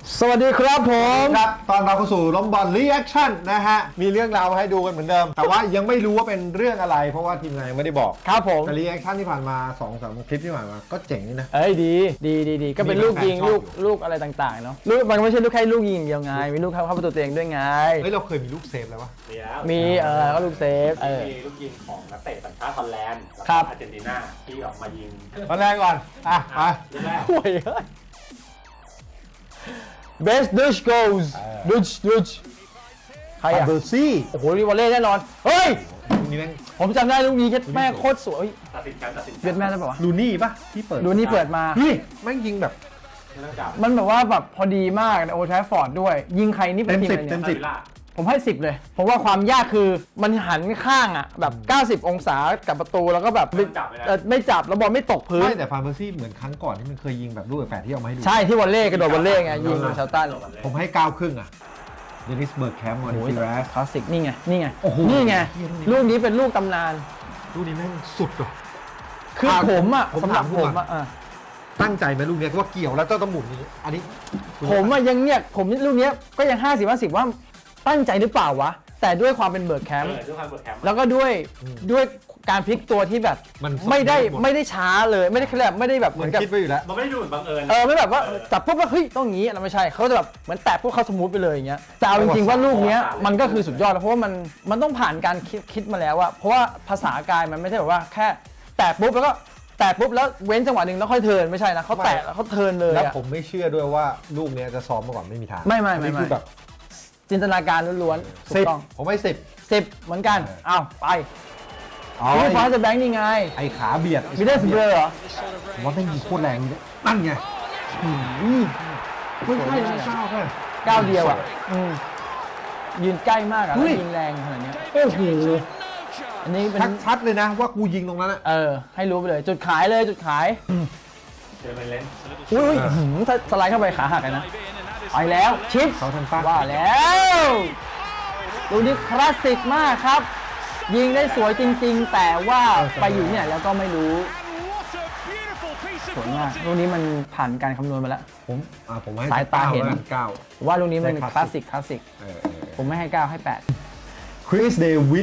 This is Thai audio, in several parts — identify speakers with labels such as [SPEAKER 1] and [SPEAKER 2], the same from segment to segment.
[SPEAKER 1] สวัสดีครับผม
[SPEAKER 2] ครับตอนเราเข้าสู่ล้มบอลรีแอคชั่นนะฮะมีเรื่องราวให้ดูกันเหมือนเดิม แต่ว่ายังไม่รู้ว่าเป็นเรื่องอะไรเพราะว่าทีมงานยังไม่ได้บอก
[SPEAKER 1] ครับผม
[SPEAKER 2] แต่รีแอคชั่นที่ผ่านมา 2-3 คลิปที่ผ่านมาก็เจ๋งนี่นะ
[SPEAKER 1] เอ้ยดีก็เป็นลูกยิงลูกอะไรต่างๆเนาะลูกมันไม่ใช่ลูกแค่ลูกยิงเดียวไงมีลูกเข้าประตูตัวเองด้วยไง
[SPEAKER 2] เฮ้ยเราเคยมีลูกเซฟแล้ววะ
[SPEAKER 3] มีแล้ว
[SPEAKER 1] มีก็ลูกเซฟ
[SPEAKER 3] มีลูกยิงของนักเตะสัญชาติฮอลแลนด์และอาร์เจนตินาที่ออกมายิง
[SPEAKER 2] ตอนแรกก่อนไป
[SPEAKER 3] แรก
[SPEAKER 1] ห่วยBest Dutch goals Dutch ใครอะ
[SPEAKER 2] เบอร์ซี่
[SPEAKER 1] โอ้โหรีวอลเล่แน่นอนเฮ้ย
[SPEAKER 2] ลูกนี้แม่ง
[SPEAKER 1] ผมจำได้ลูกนี้แม่โคตรสวย
[SPEAKER 3] ตัดสินกัน
[SPEAKER 1] เวียดแม่ได้ป่าวะ
[SPEAKER 2] ลูนี่ปะที่เปิด
[SPEAKER 1] ลูนี่เปิดมา
[SPEAKER 2] พี่แม่งยิงแบบ
[SPEAKER 1] มันแบบว่าแบบพอดีมากในโอลด์แทฟฟอร์ดด้วยยิงใครนี่เป็นทีมอะไร
[SPEAKER 2] เต็ม
[SPEAKER 1] เนี่ย
[SPEAKER 2] 10
[SPEAKER 1] ผมให้10เลยผมว่าความยากคือมันหันข้างอ่ะแบบ90องศากับประตูแล้วก็แบบไม่จับแล้วบอลไม่ตกพื้น
[SPEAKER 2] ไม่แต่ฟานเบอร์ซี่เหมือนครั้งก่อนที่มันเคยยิงแบบลูกแฝดที่เอามาให้ดู
[SPEAKER 1] ใช่ที่วอลเล่กระโดดวอลเล่ไงยิงเชลตัน
[SPEAKER 2] ผมให้9ครึ่งอ่ะเดนิสเบิร์กแคมป์มอนิฟิรัส
[SPEAKER 1] คลาสสิกนี่ไงนี่ไงลูกนี้เป็นลูกตำนาน
[SPEAKER 2] ลูกนี้แม่งสุดว่ะ
[SPEAKER 1] คือผมอ่ะสำหรับผมอ่ะ
[SPEAKER 2] ตั้งใจไหมลูกนี้ว่าเกี่ยวแล้วต้องหมุนนี้อันนี้
[SPEAKER 1] ผมอ่ะยังเนี่ยผมลูกนี้ก็ยัง50-50ว่าตั้งใจหรือเปล่าวะแต่ด้วยความเป็นเบิร์กแคมป์แล้วก็ด้วยการพลิกตัวที่แบบไม่ได้ช้าเลยไม่ได้แค่แบบไม่ได้แบบ
[SPEAKER 2] เหมือนคิดไว้อยู่แล้ว
[SPEAKER 3] มันไม่ได้ดูเหมือนบังเอิญ
[SPEAKER 1] ไม่แบบว่าจับปุ๊บแล้วเฮ้ยต้องงี้เราไม่ใช่เขาจะแบบเหมือนแตะปุ๊บเขาสมูทไปเลยอย่างเงี้ยแต่เอาจริงๆว่าลูกเนี้ยมันก็คือสุดยอดแล้วเพราะว่ามันต้องผ่านการคิดมาแล้วอะเพราะว่าภาษากายมันไม่ใช่แบบว่าแค่แตะปุ๊บแล้วก็แตะปุ๊บแล้วเว้นจังหวะหนึ่งแล้วค่อยเทิร์นไม่ใช่นะเขาแตะแล้วเขาเทิร์นเลย
[SPEAKER 2] แล้วผมไม่เชื่อด้วยว่าลูกเนี้ยจะซ้อมมาก่อนไม่มีทาง
[SPEAKER 1] ไม่
[SPEAKER 2] คือแบบ
[SPEAKER 1] จินตนาการล้วนๆถูกต้อง
[SPEAKER 2] ผมให้
[SPEAKER 1] 10เหมือนกันอ้าวไปพี่ฟ้าจะแบงค์นี่ไง
[SPEAKER 2] ไอ้ขาเบียด
[SPEAKER 1] มีได้สเบอร์เหรอ
[SPEAKER 2] ผมว่าต้องยิงโคตรแรงนี่นั่นไงไม่ใช่
[SPEAKER 1] ก้าวเดียวอ่ะยืนใกล้มากอ่ะแล้วยิงแรงขนาดนี้
[SPEAKER 2] โอ้โห
[SPEAKER 1] อันนี้เป็น
[SPEAKER 2] ชัดเลยนะว่ากูยิงตรงนั้นอ่ะ
[SPEAKER 1] ให้รู้ไปเลยจุดขายเลยจุดขาย
[SPEAKER 3] เจอไปเล่น
[SPEAKER 1] อุ้ยถ้าสไลด์เข้าไปขาหักเลยนะไปแล้วชิป
[SPEAKER 2] เขาทันป้า
[SPEAKER 1] ว่าแล้วดูนี่คลาสสิกมากครับยิงได้สวยจริงๆแต่ว่าไปอยู่เนี่ยแล้วก็ไม่รู้สวยมากลูกนี้มันผ่านการคำนวณมาแล้ว
[SPEAKER 2] ผมให้
[SPEAKER 1] สายตาเห็น
[SPEAKER 2] 9
[SPEAKER 1] ว่าลูกนี้มันคลาสสิกผมไม่ให้9ให้8
[SPEAKER 2] คริสเดวิด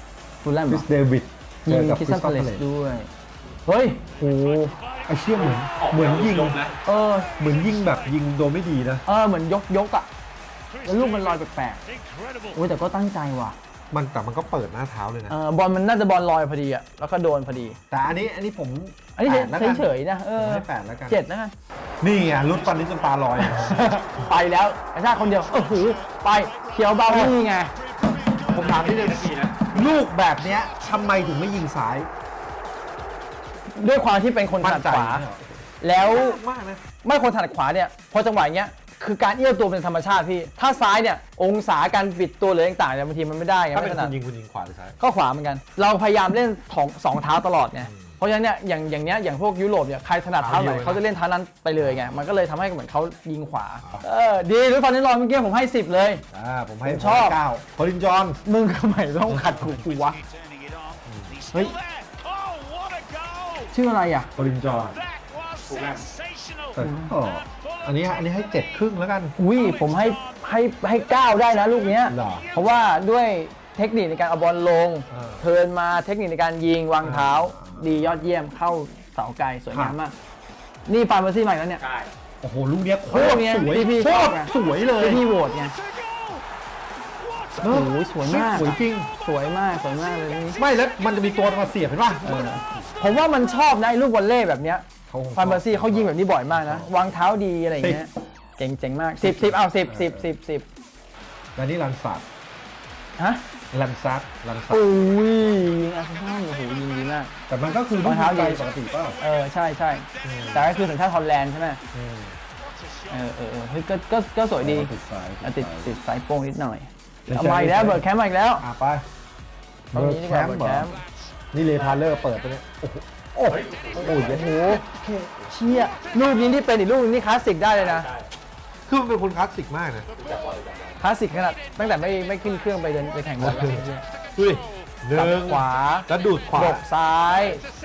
[SPEAKER 1] ยิงคิสซันพาเลสด้วยเฮ้ยโอ้
[SPEAKER 2] ไอเชี่ยเหมือนยิง
[SPEAKER 3] นะ
[SPEAKER 2] เหมือนยิงแบบยิงโดไม่ดีนะ
[SPEAKER 1] เหมือนยกอ่ะแล้วลูกมันลอยแปลกๆโอ้ยแต่ก็ตั้งใจว่ะ
[SPEAKER 2] แต่มันก็เปิดหน้าเท้าเลยนะ
[SPEAKER 1] บอลมันน่าจะบอลลอยพอดีอ่ะแล้วก็โดนพอดี
[SPEAKER 2] แต่อันนี้ผม
[SPEAKER 1] เฉยๆนะ
[SPEAKER 2] ให้8แล้วกัน
[SPEAKER 1] 7แล้วกัน
[SPEAKER 2] นี่ไงรุดฟันนี้จนตาลอย
[SPEAKER 1] ไปแล้วไอ้ชาคนเดียวไปเขียวเบานี่ไง
[SPEAKER 2] ผมถามนิดนึงลูกแบบเนี้ยทำไมถึงไม่ยิงซ้าย
[SPEAKER 1] ด้วยความที่เป็นคนถนัดขวาแล้วไม่คนถนัดขวาเนี่ยพอจังหวะเงี้ยคือการเอี้ยวตัวเป็นธรรมชาติพี่ถ้าซ้ายเนี่ยองศาการบิดตัวหรือต่างๆเนี่ยบางทีมันไม่ได้ไง
[SPEAKER 2] ถ้าเป็นคุณยิงขวาหรือซ้าย
[SPEAKER 1] ก็ขวาเหมือนกันเราพยายามเล่น2เท้าตลอดไงเพราะฉะนั้นเนี่ยอย่างพวกยุโรปเนี่ยใครถนัดเท้าไหนเขาจะเล่นเท้านั้นไปเลยไงมันก็เลยทำให้เหมือนเขายิงขวาดีด้วยตอนนี้รอเมื่อกี้ผมให้10เลย
[SPEAKER 2] ผมให้ชอบ9พอลินจอน
[SPEAKER 1] มึงทำไมต้องขัดกูวะเฮ้ยชื่ออะไรอ่ะ
[SPEAKER 2] พอลินจอนอันนี้ให้7ครึ่งแล้วกัน
[SPEAKER 1] ผมให้9ได้นะลูกเนี้ยเพราะว่าด้วยเทคนิคในการเอาบอลลงเทิร์นมาเทคนิคในการยิงวางเท้าดียอดเยี่ยมเข้าเสาไกลสวยงามมากนี่ฟานเบอร์ซี่ใหม่แล้วเนี่ย
[SPEAKER 2] โอ้โหลูกเนี้ยโคตรสวย
[SPEAKER 1] พี่ชอบ
[SPEAKER 2] สวยเลย
[SPEAKER 1] พี่โหวตไงโอ้โหสวยมาก
[SPEAKER 2] สวยจริง
[SPEAKER 1] สวยมากเลยนี่
[SPEAKER 2] ไม่แล้วมันจะมีตัวมาเสียบเห็นป่ะ
[SPEAKER 1] ผมว่ามันชอบนะลูกวอลเล่แบบเนี้ยฟานเบอร์ซี่เขายิงแบบนี้บ่อยมากนะวางเท้าดีอะไรอย่างเงี้ยเจ๋งมาก10เอา10
[SPEAKER 2] แล้วนี่ลันซัดลันซัด
[SPEAKER 1] อุ้ยยิงอาร์เซนอลโอ้โหยิงดีมาก
[SPEAKER 2] แต่มันก็คือลูกเท้าดีปกติป่ะ
[SPEAKER 1] ใช่แต่ก็คือสัญชาติฮอลแลนด์ใช่ไหมเฮ้ยก็สวยดีติดสายโป้งนิดหน่อยเอามาอีกแล้วเบิร์ดแคมป์มาอีกแล้ว
[SPEAKER 2] ไปเบิร์ดแคมป์นี่เลพาเลอร์เปิดไปเนี่ยโอ้โห
[SPEAKER 1] เชี่ยลูกนี้ที่เป็นอีกลูกนึงนี่คลาสสิกได้เลยนะ
[SPEAKER 2] คือมันเป็นคนคลาสสิกมากนะ
[SPEAKER 1] คลาสสิกขนาดตั้งแต่ไม่ขึ้นเครื่องไปเดินไปแข่งบอลแล้ว
[SPEAKER 2] ดึง
[SPEAKER 1] ขวา
[SPEAKER 2] แล้วดูดขวา
[SPEAKER 1] ซ้าย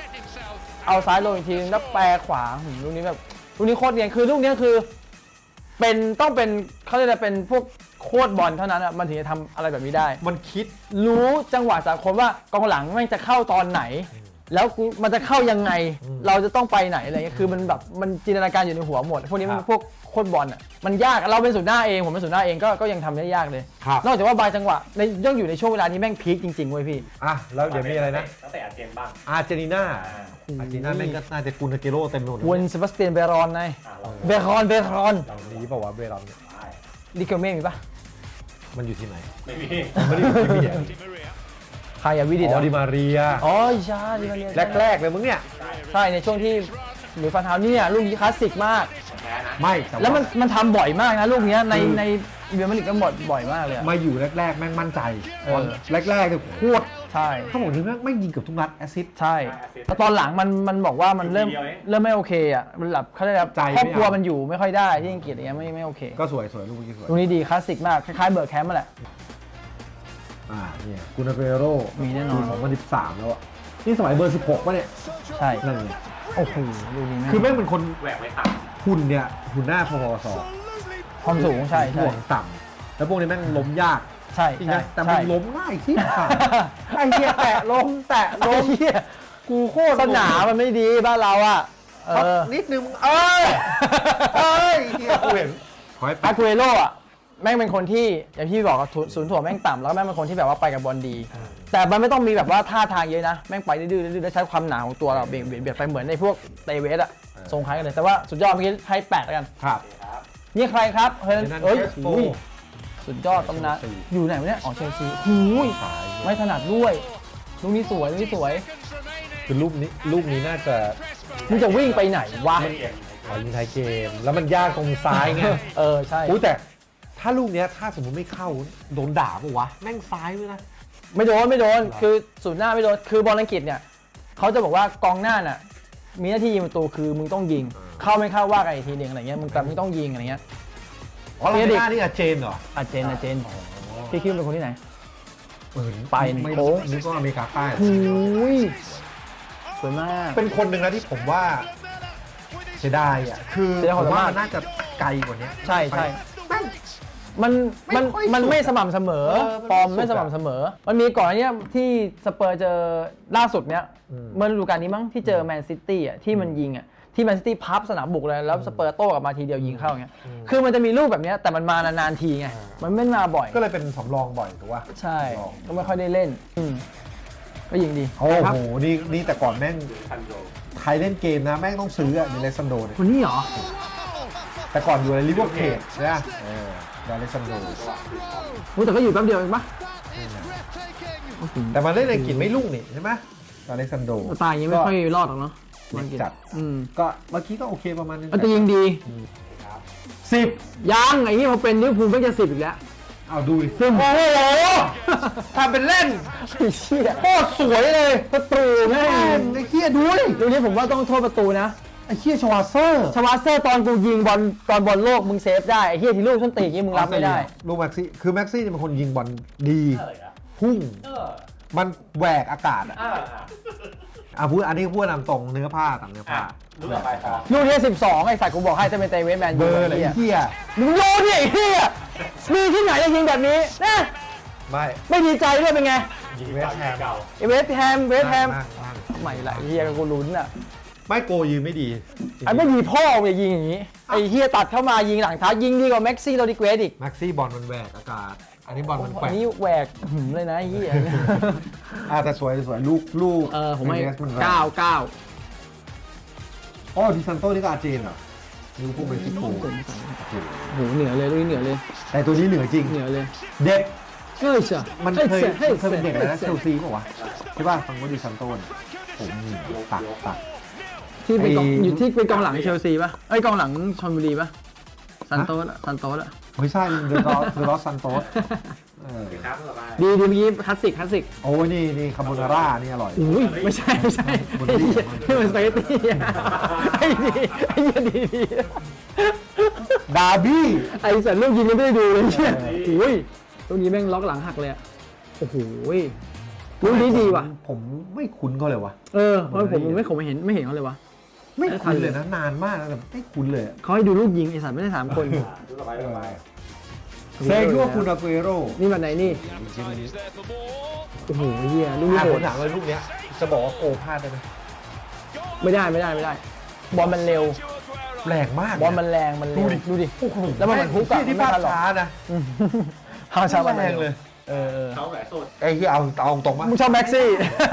[SPEAKER 1] เอาซ้ายลงอีกทีแล้วแปรขวาลูกนี้แบบลูกนี้โคตรเนียนคือลูกนี้คือต้องเป็นเขาเรียกอะไรเป็นพวกโค้ชบอลเท่านั้นอ่ะมันถึงจะทำอะไรแบบนี้ได้
[SPEAKER 2] มันคิด
[SPEAKER 1] รู้จังหวะสากลว่ากองหลังแม่งจะเข้าตอนไหน แล้วมันจะเข้ายังไง เราจะต้องไปไหนอะไรเงี้ยคือมันแบบมันจินตนาการอยู่ในหัวหมดพวกนี้มันพวกโค้ชบอลอ่ะมันยากเราเป็นศูนย์หน้าเองผมเป็นศูนย์หน้าเองก็ยังทำได้ยากเลย
[SPEAKER 2] ครับ
[SPEAKER 1] นอกจากว่าบางจังหวะในย่องอยู่ในช่วงเวลาที่แม่งพีคจริงๆเว้ยพี่
[SPEAKER 2] อ่ะแล้วเดี๋ยวมีอะไรนะ
[SPEAKER 3] ตั้งแต่อาเจนบ้าง
[SPEAKER 2] อาร์เจนตินาอาร์เจนตินาแม่งก็น่าจะกุนอาเกโร่เต็มไปหมด
[SPEAKER 1] วนเซบาสเตียนเบรอนไง
[SPEAKER 3] เรา
[SPEAKER 1] เบรอน
[SPEAKER 2] เราดีเปล่าวะเบรอนเนี่ย
[SPEAKER 3] ได้
[SPEAKER 1] ดิเกลเม่มีปะ
[SPEAKER 2] มันอยู่ที่ไหน
[SPEAKER 3] ไม่มี
[SPEAKER 2] ไม่ได้อยู่ที่พี่
[SPEAKER 1] ใครอะวิดิต
[SPEAKER 2] อ๋อดิมาเรีย
[SPEAKER 1] อ๋อใช่ดิมาเรีย
[SPEAKER 2] แรกๆเลยมึงเนี่ย
[SPEAKER 1] ใช่ในช่วงที่หรือฟันเท้าเนี่ยลูกนี้คลาสสิกมาก
[SPEAKER 3] แพ้นะ
[SPEAKER 2] ไม่ต่า
[SPEAKER 1] แล้วมันทำบ่อยมากนะลูกเนี้ยในเบียร์มาริกก็บ่อยมากเลยอะ
[SPEAKER 2] มาอยู่แรกๆแม่งมั่นใจ
[SPEAKER 1] เออ
[SPEAKER 2] แรกๆเนี่ยโคตร
[SPEAKER 1] ใช่
[SPEAKER 2] เขาบอกถึงแม่งไม่ยิงเกับทุกนัดแอสซิสต์
[SPEAKER 1] ใช่แล้วตอนหลังมันบอกว่ามันเริ่มไม่โอเคอ่ะมันแบบเขาเรียกอะไร
[SPEAKER 2] ใจไม่
[SPEAKER 1] ครอบครัว
[SPEAKER 2] เอามั
[SPEAKER 1] มันอยู่ไม่ค่อยได้ที่อังกฤษอย่างเงี้ยไม่โอเค
[SPEAKER 2] ก็สวยลูกเมื่อกี้สวย
[SPEAKER 1] ลูกนี้ดีคลาสสิกมากคล้ายๆเบิร์กแคมป์มาแหละ
[SPEAKER 2] เนี่ยกุนอาเกโร่
[SPEAKER 1] มีแน่นอน
[SPEAKER 2] 2013แล้วอ่ะนี่สมัยเบอร์ 16ป่ะเนี่ย
[SPEAKER 1] ใช่
[SPEAKER 2] นั่นไง
[SPEAKER 1] โอ้โหลูกนี้แม่ง
[SPEAKER 2] คือแม่งเป็นคน
[SPEAKER 3] แหวกไม่ต่
[SPEAKER 2] หุ่นเนี่ยหุ่นหน้าพอๆสอ
[SPEAKER 1] ความสูงใช่
[SPEAKER 2] ห่วงต่ำแล้วพวกนี้แม่งล้มยาก
[SPEAKER 1] ใช่
[SPEAKER 2] จริง
[SPEAKER 1] ใช่
[SPEAKER 2] นะแต่มัน
[SPEAKER 1] ใช่
[SPEAKER 2] ล้มง่ายที่ผ่านไอ้เหี้ยแตะล้มแตะล้ม
[SPEAKER 1] เหี้ย
[SPEAKER 2] กูโคตร
[SPEAKER 1] สนามมันไม่ดีบ้านเราอ่ะเอ
[SPEAKER 2] ครับ
[SPEAKER 1] อ
[SPEAKER 2] นิดนึงเอ้ยเหี้ยกูเห็นขอให้
[SPEAKER 1] อา
[SPEAKER 2] แป๊บ
[SPEAKER 1] กูเอโร่อะแม่งเป็นคนที่อย่างที่บอกอะศูนย์ถ่วงแม่งต่ำแล้วแม่งเป็นคนที่แบบว่าไปกับบอลดี แต่มันไม่ต้องมีแบบว่าท่าทางเยอะนะแม่งไปดื้อๆแล้วใช้ความหนาของตัวเราเบียดไปเหมือนในพวกเตเวสอะทรงคล้ายกันเลยแต่ว่าสุดยอดเมื่อกี้ให้8แล้วกัน
[SPEAKER 2] ครับ
[SPEAKER 3] ำครับ
[SPEAKER 1] นี่ใครครับเฮ้ย
[SPEAKER 2] นั่น
[SPEAKER 1] เอ้ย
[SPEAKER 2] เชสโฟ
[SPEAKER 1] อุ้ยสุดยอดตำนาน
[SPEAKER 2] เชลซี
[SPEAKER 1] อยู่ไหนวะเนี่ยอ๋อเชลซีหูย
[SPEAKER 2] สาย
[SPEAKER 1] ไม่ถนัดด้วยลูกนี้สวยลูกนี้สวย
[SPEAKER 2] คือลูกนี้น่าจะ
[SPEAKER 1] มึงจะวิ่งไปไหนวะ
[SPEAKER 3] เกม
[SPEAKER 2] ยิงท้ายเกม แล้วมันยากตรงซ้ายไง
[SPEAKER 1] เออใช่
[SPEAKER 2] อุ้ยแต่ถ้าลูกเนี้ยถ้าสมมติไม่เข้าโดนด่าปะวะแม่งซ้ายด้วยนะ
[SPEAKER 1] ไม่โดนคือศูนย์หน้าไม่โดนคือบอลอังกฤษเนี่ยเขาจะบอกว่ากองหน้าน่ะมีหน้าที่ยิงประตูคือมึงต้องยิง เข้าไม่เข้าว่ากันอีกทีหนึ่งอะไรเงี้ยมึงแต่มึงต้องยิงอะไรเงี้ย
[SPEAKER 2] อ๋อเราไม่ได้นี่อาเจนเหรอ
[SPEAKER 1] อาเจนพี่คิดว่าเป็นคนที่ไหน ไปหนึ่ง
[SPEAKER 2] ไม่
[SPEAKER 1] โค้ง
[SPEAKER 2] นึกว่าอเมริกาใต้
[SPEAKER 1] หูยสวยมาก
[SPEAKER 2] เป็นคนหนึ่งนะที่ผมว่าเสียดายอ่ะคือ
[SPEAKER 1] เสียดาย
[SPEAKER 2] ผ
[SPEAKER 1] ความ
[SPEAKER 2] มว่า
[SPEAKER 1] สามารถ
[SPEAKER 2] มันน่าจะไกลกว่านี้
[SPEAKER 1] ใช่
[SPEAKER 2] แม่ง
[SPEAKER 1] มัน
[SPEAKER 2] ไม่ค่อยสุด
[SPEAKER 1] มันไม่สม่ำเสมอ
[SPEAKER 2] เออมัน
[SPEAKER 1] ฟอร์ม
[SPEAKER 2] ไม่
[SPEAKER 1] ไม่
[SPEAKER 2] สุ
[SPEAKER 1] ส
[SPEAKER 2] ดอะ
[SPEAKER 1] ม่ำเสมอ มันมีก่อนอันเนี้ยที่สเปอร์เจอล่าสุดเนี้ยเมื่อฤดูกาลนี้มั้งที่เจอแมนซิตี้อ่ะที่มันยิงอ่ะที่แมนซิตี้พับสนามบุกเลยแล้วสเปอร์โต้กลับมาทีเดียวยิงเข้าอย่างเงี้ยคือมันจะมีลูกแบบเนี้ยแต่มันมานานๆทีไงมันไม่มาบ่อย
[SPEAKER 2] ก็เลยเป็นสำรองบ่อยถูกป่ะ
[SPEAKER 1] ใช่ก็ไม่ค่อยได้เล่นก็ยิงดี
[SPEAKER 2] โอ้โหนี่แต่ก่อนแม่ง
[SPEAKER 3] ทันโด
[SPEAKER 2] ใครเล่นเกมนะแม่งต้องซื้ออะเดเลซันโดเนี่ย
[SPEAKER 1] คนนี้เหรอ
[SPEAKER 2] แต่ก่อนอยู่ในลิเวอร์พูลใช่ไหมเดเลซันโด
[SPEAKER 1] แต่ก็อยู่แป๊บเดียวเองปะ
[SPEAKER 2] แต่มันเล่นในอังกฤษไม่รุ่งนี่ใช่ไหมเดเลซันโด
[SPEAKER 1] ตายอย่างงี้ไม่ค่อยรอดหรอกเนาะ
[SPEAKER 2] จัด ก็เมื่อกี้ก็โอเคประมาณนึง
[SPEAKER 1] แต่ยิงดี
[SPEAKER 2] 10
[SPEAKER 1] ยังไอ้นี่พอเป็นลิเวอร์พูลไม่จะ10อีกแล้ว
[SPEAKER 2] เอาดูดิ
[SPEAKER 1] โอ้โห
[SPEAKER 2] ทำเป็นเล่น
[SPEAKER 1] ไอ้เชี่ย
[SPEAKER 2] โคตรสวยเลย
[SPEAKER 1] ประตูแม่
[SPEAKER 2] แม่
[SPEAKER 1] ง
[SPEAKER 2] งไอ้เหี้ยดูดิ
[SPEAKER 1] ลูกนี้ผมว่าต้องโทษประตูนะ
[SPEAKER 2] ไอ้เหี้ยชวาเซอร์
[SPEAKER 1] ชวาเซอร์ตอนกูยิงบอลตอนบอลโลกมึงเซฟได้ไอ้เฮียที่ลูกส้นตีนอย่างงี้มึงรับไม่ได้
[SPEAKER 2] ลูกแม็กซี่คือแม็กซี่เนี่ยเป็นคนยิงบอลดี
[SPEAKER 3] เอออะ
[SPEAKER 2] พุ่ง
[SPEAKER 3] เออ
[SPEAKER 2] มันแหวกอากาศอ่ะ
[SPEAKER 3] อ่า
[SPEAKER 2] พูดอันนี้พูดนำตรงเนื้อผ้าต่างเนื้อผ้า
[SPEAKER 3] ลูกต่อไปต่อ
[SPEAKER 1] ลูกที่12ไอ้สัตว์กูบอกให้จะเป็นเตเวสแมน
[SPEAKER 2] เบ
[SPEAKER 1] ยู
[SPEAKER 2] อร์เลย
[SPEAKER 1] ไอ้
[SPEAKER 2] ไอ้
[SPEAKER 1] เฮีย
[SPEAKER 2] เหี้ย
[SPEAKER 1] มึงโยนดิไอ้เฮียมีที่ไหนจะยิงแบบนี้นะ
[SPEAKER 2] ไม่
[SPEAKER 1] ไม่ดีใจด้วยเป็นไง
[SPEAKER 3] ยิงเก่า
[SPEAKER 1] ไอ้เวสต์แฮม
[SPEAKER 2] นั่ง
[SPEAKER 1] ใหม่ละไอ้เฮียกับกูลุ้นอ่ะ
[SPEAKER 2] ไม่โกยืนไม่ดี
[SPEAKER 1] ไอ้ไม่ดีพ่อมึงอย่ายิงอย่างงี้ไอ้เฮียตัดเข้ามายิงหลังเท้ายิงดีกว่าแม็กซี่โรดิเกรสอีก
[SPEAKER 2] แม็กซี่บอลมันแหวกอากาศ อันนี้บอลมันแก
[SPEAKER 1] อั
[SPEAKER 2] ว่
[SPEAKER 1] น
[SPEAKER 2] ง
[SPEAKER 1] นี้แหวกหืมเลยนะไอ้เฮีย
[SPEAKER 2] แต่สวยลูก
[SPEAKER 1] ผมให้
[SPEAKER 2] เนสมันแหวก
[SPEAKER 1] 9
[SPEAKER 2] อ๋อดิซันโต้นี่ก็อาร์เจนเหรอลิเวอร์พูลเม็กซิโก
[SPEAKER 1] โหเหนือเลยลูกนี้เหนือเลย
[SPEAKER 2] แต่ตัวนี้เหนือจริง
[SPEAKER 1] เหนือเลย
[SPEAKER 2] เด็ก
[SPEAKER 1] เฮ้ยเชีย
[SPEAKER 2] มันเคยเป็นเด็กอะไรนะเชลซีป่าวะใช่ป่ะฟังว่าดิซันโต้นผมตัด
[SPEAKER 1] ที่เป็นกอง
[SPEAKER 2] ไอ้
[SPEAKER 1] อยู่ที่เป็นกองหลังเชลซีป่ะไอ้ยกองหลังชลบุรีป่ะซันโตสอะซันโตสอะ
[SPEAKER 2] ไม่ใช่เดอะลอสซันโตส
[SPEAKER 3] ครับต่อไป
[SPEAKER 1] ดีเมื่อกี้คลาสสิก
[SPEAKER 2] โอ้ยนี่คาโบนาร่านี่อร่อย
[SPEAKER 1] อุ้ยไม่ใช่ไอ้เหี้ยนี่มันสปาเกตตี้อะไอ้ดีไอ้เหี้ยดี
[SPEAKER 2] ดาร์บี้
[SPEAKER 1] ไอ้สัตว์ลูกยิงยังไม่ได้ดูเลยเนี่ยอุ้ยลูกนี้แม่งล็อกหลังหักเลยอะโอ้โหลูกนี้ดีว่ะ
[SPEAKER 2] ผมไม่คุ้นเขาเลยวะ
[SPEAKER 1] เพราะผมไม่เห็นเขาเลยวะ
[SPEAKER 2] ไม่คุ้นเลยนะนานมากแล้วแต่ไม่คุ้นเลย
[SPEAKER 1] เขาให้ดูลูกยิงไอ้สัตว์ไม่ได้3 คน
[SPEAKER 3] ดูสบายสบาย
[SPEAKER 2] เซโก้คุณอากุเอโร่
[SPEAKER 1] นี่มันไหนนี่โอ้โหเฮียลูกนี้
[SPEAKER 2] ผ
[SPEAKER 1] โห
[SPEAKER 2] ม
[SPEAKER 1] ด
[SPEAKER 2] ถามว่าลูกเนี้ยจะบอกว่าโกพลาดได้ไหม
[SPEAKER 1] ไม่ได้บอลมันเร็ว
[SPEAKER 2] แรงมาก
[SPEAKER 1] บอลมันแรงมันเร็วดูดิแล้วมันเหมือนฮุกอะ
[SPEAKER 2] ที่
[SPEAKER 1] ไม่
[SPEAKER 2] ภาพ
[SPEAKER 1] ทันหรอก
[SPEAKER 2] ช้านะ
[SPEAKER 1] ฮาชามัน
[SPEAKER 2] แรงเลย
[SPEAKER 1] เออ
[SPEAKER 3] เขาแหวนสุด
[SPEAKER 2] ไอ้ที่เอาตรงมา
[SPEAKER 1] มึงชอบแม็กซี่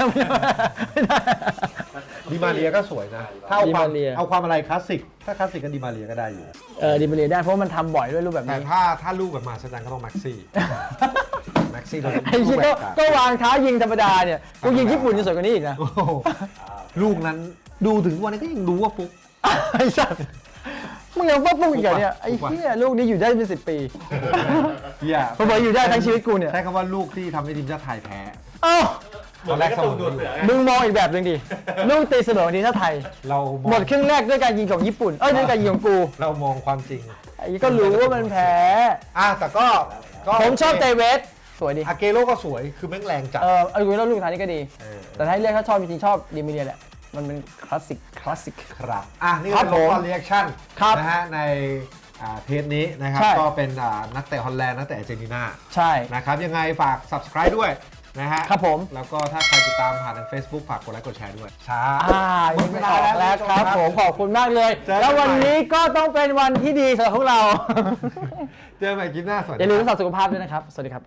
[SPEAKER 2] ดิมาเรียก็สวยนะถ้าเอา
[SPEAKER 1] ดิ
[SPEAKER 2] ควา
[SPEAKER 1] มาเรีย
[SPEAKER 2] เอาความอะไรคลาสสิกถ้าคลาสสิกก็ดิมาเรียก็ได้อยู่
[SPEAKER 1] ดิมาเรียได้เพราะว่ามันทำบ่อยด้วยรูปแบบ
[SPEAKER 2] แต่
[SPEAKER 1] นี้
[SPEAKER 2] ถ้าลูกแบบมาสจันก็ต้องแม็กซี่แม็กซี่เราจะ
[SPEAKER 1] ไอ้เหี้ยก็วางเท้ายิงธรรมดาเนี่ยกูยิงญี่ปุ่นยังสวยกว่านี้อีกนะ
[SPEAKER 2] โอ้โหลูกนั้นดูถึงวันนี้ก็ยังรู้ว่าฟุก
[SPEAKER 1] ไอ้สัสมึงยังว่าปุ๊กอีกเหรอเนี่ยไอ้เหี้ยลูกนี้อยู่ได้เป็น10 ปี
[SPEAKER 2] อย่า
[SPEAKER 1] ผมบอกอยู่ได้ทั้งชีวิตกูเนี่ย
[SPEAKER 2] ใช้คำว่าลูกที่ทำให้ทีมชาติไทยแพ้
[SPEAKER 1] เอ้า
[SPEAKER 2] ตอนแรก
[SPEAKER 3] ก็ตูนดูดเสือไง
[SPEAKER 1] มึงมองอีกแบบหนึ่งดิลูกตีเสมอทีมชาติไทย
[SPEAKER 2] เรามอง
[SPEAKER 1] หมดครึ่งแรกด้วยการยิงของญี่ปุ่นด้วยการยิงของกู
[SPEAKER 2] เรามองความจริง
[SPEAKER 1] ไอ้ก็รู้ว่ามันแพ้
[SPEAKER 2] แต่ก็
[SPEAKER 1] ผมชอบเตเวสสวยดี
[SPEAKER 2] อาเกโร่ก็สวยคือแม่งแรงจัด
[SPEAKER 1] เอาดูแล้วลูกท้ายนี้ก็ดี
[SPEAKER 2] เออ
[SPEAKER 1] แต่ถ้าให้เรียกถ้าชอบจริงๆชอบดิมิเลียแหละมันเป็นคลาสสิก
[SPEAKER 2] ครับนี่
[SPEAKER 1] ครั
[SPEAKER 2] คื
[SPEAKER 1] บ
[SPEAKER 2] อ
[SPEAKER 1] ผม
[SPEAKER 2] คอนเรีแอคชั่น
[SPEAKER 1] ครับ
[SPEAKER 2] นะฮะในเทปนี้นะครับ
[SPEAKER 1] ใช่
[SPEAKER 2] ก็เป็นนักเตะฮอลแลนด์นักเตะอาร์เจนตินา
[SPEAKER 1] ใช่
[SPEAKER 2] นะครับยังไงฝาก subscribe ด้วยนะฮะ
[SPEAKER 1] ครับผม
[SPEAKER 2] แล้วก็ถ้าใครติดตามผ่านทาง Facebook ฝากกดไลค์กดแชร์ด้วยช้า
[SPEAKER 1] ยิงไม่ออกแล้วครับผมขอบคุณมากเลย
[SPEAKER 2] เจอกัน
[SPEAKER 1] แล้ววันนี้ก็ต้องเป็นวันที่ดีสำหรับพวกเรา
[SPEAKER 2] เจอกันใหม่คลิปหน้าสวัส
[SPEAKER 1] อ
[SPEAKER 2] ดี
[SPEAKER 1] ย่าลืม
[SPEAKER 2] ค
[SPEAKER 1] รัก
[SPEAKER 2] รับ
[SPEAKER 1] ษาสุขภาพด้วยนะครับ สวัสดีครับ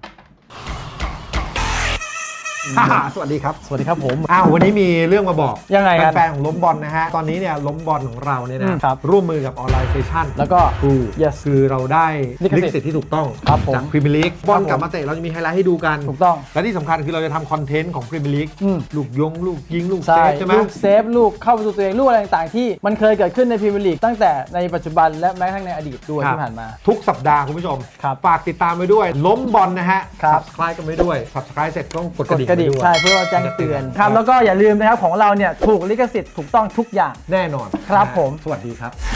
[SPEAKER 2] สวัสดีครับ
[SPEAKER 1] สวัสดีครับผม
[SPEAKER 2] วันนี้มีเรื่องมาบอก
[SPEAKER 1] ยังไงกัน
[SPEAKER 2] แฟนๆของล้มบอลนะฮะตอนนี้เนี่ยล้มบอลของเราเนี่ยนะครับ ร่วมมือกับออนไลน์เซชั่น
[SPEAKER 1] แล้วก็ yes
[SPEAKER 2] คือเราได้
[SPEAKER 1] ลิขสิทธิ์
[SPEAKER 2] ลิขสิทธิ์ที่ถูกต้อง
[SPEAKER 1] ครับผม
[SPEAKER 2] จากพรีเมียร์ลีกบอล
[SPEAKER 1] ครับผม
[SPEAKER 2] กลับมาเตะเราจะมีไฮไลท์ให้ดูกัน
[SPEAKER 1] ถูกต้อง
[SPEAKER 2] และที่สำคัญคือเราจะทำคอนเทนต์ของพรีเมียร์ลีก
[SPEAKER 1] อืม
[SPEAKER 2] ลูกลูกยิงลูกเซ
[SPEAKER 1] ใช่
[SPEAKER 2] ฟใช่ไหม
[SPEAKER 1] ลูกเซฟลูกเข้าประตูตัวเองลูกอะไรต่างๆที่มันเคยเกิดขึ้นในพรีเมียร์ลีกตั้งแต่ในปัจจุบันและแม้กระทั่งในอดีตด้วย
[SPEAKER 2] ครับ
[SPEAKER 1] ที่ผ่านมา
[SPEAKER 2] ทุกสัปดาห์คุณผู้ชม
[SPEAKER 1] ครับ
[SPEAKER 2] ฝากติดตามไปด้วย ล้มบอลนะฮะ
[SPEAKER 1] ครับ
[SPEAKER 2] subscribe กันไปด้วย subscribe เสร็จต้องกด
[SPEAKER 1] ก
[SPEAKER 2] ก
[SPEAKER 1] ด
[SPEAKER 2] ระดิ่ง
[SPEAKER 1] กระดิ่ง
[SPEAKER 2] ไปด้วย
[SPEAKER 1] ใช่เพื่อว่าแจ้งเตือนครับแล้วก็อย่าลืมนะครับของเราเนี่ยถูกลิขสิทธิ์ถูกต้องทุกอย่าง
[SPEAKER 2] แน่นอน
[SPEAKER 1] ครับผม
[SPEAKER 2] สวัสดีครับ